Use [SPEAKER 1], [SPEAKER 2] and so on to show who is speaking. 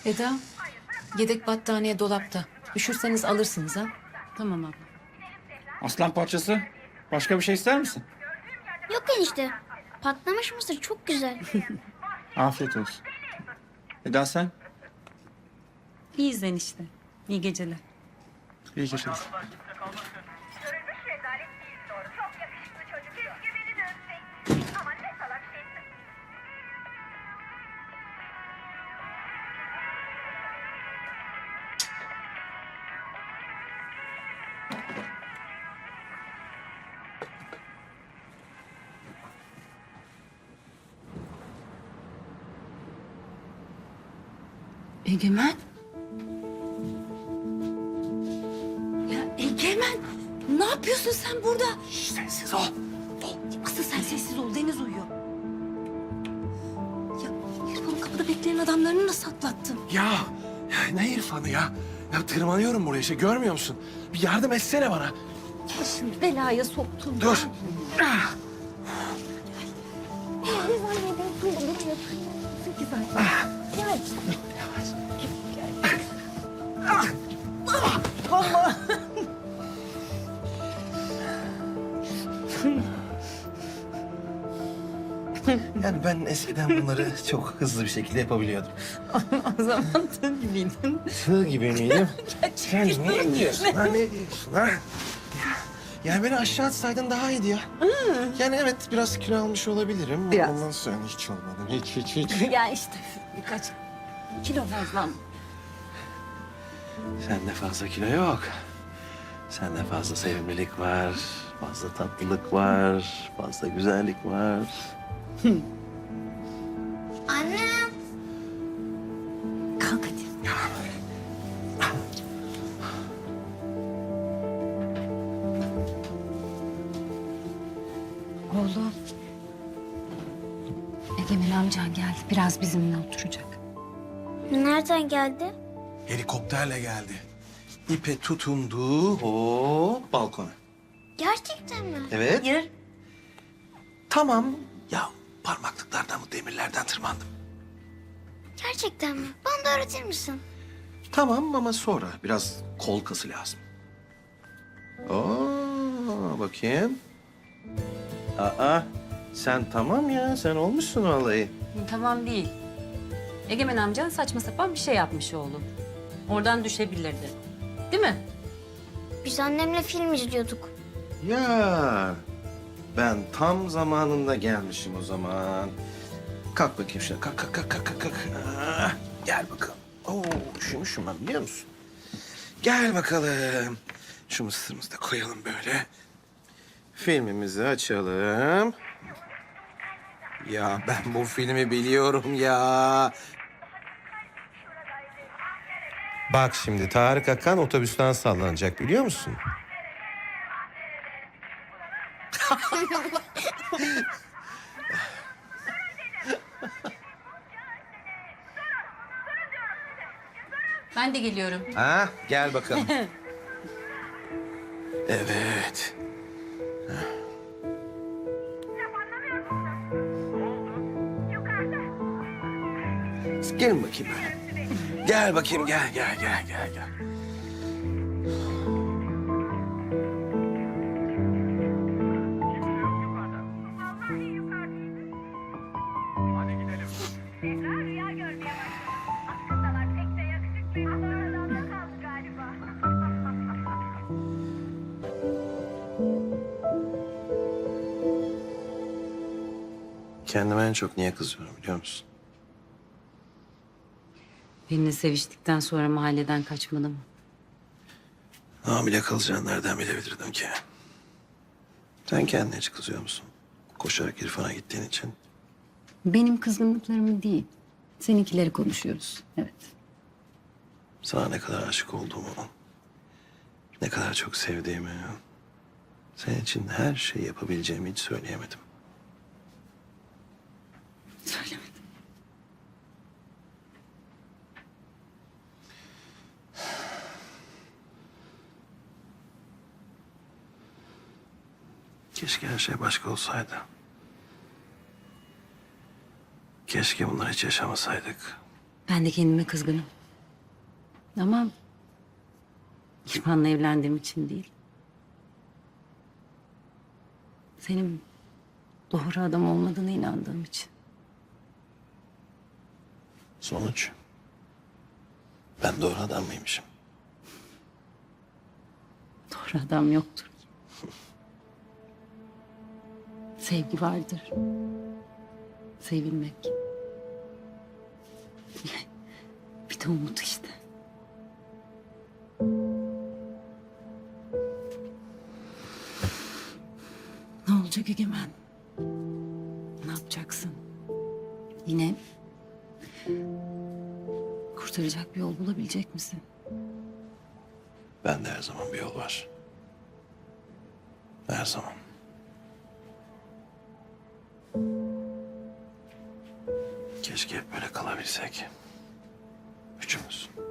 [SPEAKER 1] Eda, yedek battaniye dolapta. Üşürseniz alırsınız ha.
[SPEAKER 2] Tamam abla.
[SPEAKER 3] Aslan parçası. Başka bir şey ister misin?
[SPEAKER 4] Yok enişte. Patlamış mısır çok güzel.
[SPEAKER 3] Afiyet olsun. Eda sen?
[SPEAKER 2] İyiyiz enişte. İyi geceler.
[SPEAKER 3] İyi geceler.
[SPEAKER 5] Görülmüş rezalet değil doğru. Çok yakışıklı çocuk. Keşke beni de öpseydin. Ama ne salak şeysin.
[SPEAKER 1] Egemen. Ya Egemen, ne yapıyorsun sen burada?
[SPEAKER 6] Sessiz ol.
[SPEAKER 1] Asıl sen sessiz ol, Deniz uyuyor. Ya İrfan'ın kapıda bekleyen adamlarını nasıl atlattın?
[SPEAKER 6] Ya ne İrfan'ı ya? Ya tırmanıyorum buraya işte görmüyor musun? Bir yardım etsene bana.
[SPEAKER 1] Başını belaya soktun.
[SPEAKER 6] Dur. Yani ben eskiden bunları çok hızlı bir şekilde yapabiliyordum.
[SPEAKER 2] O zaman tığ gibiydin.
[SPEAKER 6] Tığ gibi miydim? Sen ne diyorsun? Ha, ne diyorsun ha? Yani beni aşağı atsaydın daha iyiydi ya. Yani evet biraz kilo almış olabilirim.
[SPEAKER 2] Biraz.
[SPEAKER 6] Ondan sonra hiç olmadım. Hiç.
[SPEAKER 2] Ya işte birkaç kilo fazla.
[SPEAKER 6] Sende fazla kilo yok. Sende fazla sevimlilik var. Fazla tatlılık var. Fazla güzellik var.
[SPEAKER 4] Annem.
[SPEAKER 1] Kalk hadi. Oğlum. Egemen amcan geldi. Biraz bizimle oturacak.
[SPEAKER 4] Nereden geldi?
[SPEAKER 6] Helikopterle geldi. İpe tutundu. Hop balkona.
[SPEAKER 4] Gerçekten mi?
[SPEAKER 6] Evet.
[SPEAKER 2] Hayır.
[SPEAKER 6] Tamam. Ya parmaklıklardan bu demirlerden tırmandım.
[SPEAKER 4] Gerçekten mi? Bana da öğretir misin?
[SPEAKER 6] Tamam ama sonra biraz kol kası lazım. Oo, bakayım. Aa, sen tamam ya. Sen olmuşsun vallahi.
[SPEAKER 2] Tamam değil. Egemen amcan saçma sapan bir şey yapmış oğlum. Oradan düşebilirdi. Değil mi?
[SPEAKER 4] Biz annemle film izliyorduk.
[SPEAKER 6] Ya ben tam zamanında gelmişim o zaman. Kalk bakayım şuna. Kalk. Ah, gel bakalım. Oo, üşümüşüm ben biliyor musun? Gel bakalım. Şu mısırımızı da koyalım böyle. Filmimizi açalım. Ya ben bu filmi biliyorum ya. Bak şimdi Tarık Akan otobüsten sallanacak biliyor musun?
[SPEAKER 2] Ben de geliyorum.
[SPEAKER 6] Ha, gel bakalım. Evet. Gelin bakayım böyle. Gel bakayım, gel.
[SPEAKER 5] Zehra rüya görmeye başladı. Aslındalar pek de yakışıklıydı. Ama aralarında kaldı galiba.
[SPEAKER 6] Kendime en çok niye kızıyorum biliyor musun?
[SPEAKER 2] Benimle seviştikten sonra mahalleden kaçmadı mı?
[SPEAKER 6] Hamile kalacağını nereden bilebilirdim ki? Sen kendine hiç kızıyor musun? Koşarak İrfan'a gittiğin için.
[SPEAKER 2] Benim kızgınlıklarımı değil. Seninkileri konuşuyoruz. Evet.
[SPEAKER 6] Sana ne kadar aşık olduğumu, ne kadar çok sevdiğimi, senin için her şeyi yapabileceğimi hiç söyleyemedim.
[SPEAKER 2] Söylemedim.
[SPEAKER 6] Keşke her şey başka olsaydı. Keşke bunları hiç yaşamasaydık.
[SPEAKER 2] Ben de kendime kızgınım. Ama İrfan'la evlendiğim için değil. Senin doğru adam olmadığına inandığım için.
[SPEAKER 6] Sonuç. Ben doğru adam mıymışım?
[SPEAKER 2] Doğru adam yoktur ki. Sevgi vardır. Sevilmek. Bir de umut işte. Ne olacak Egemen? Ne yapacaksın? Yine kurtaracak bir yol bulabilecek misin?
[SPEAKER 6] Bende her zaman bir yol var. Her zaman. Keşke hep böyle kalabilsek. Üçümüz.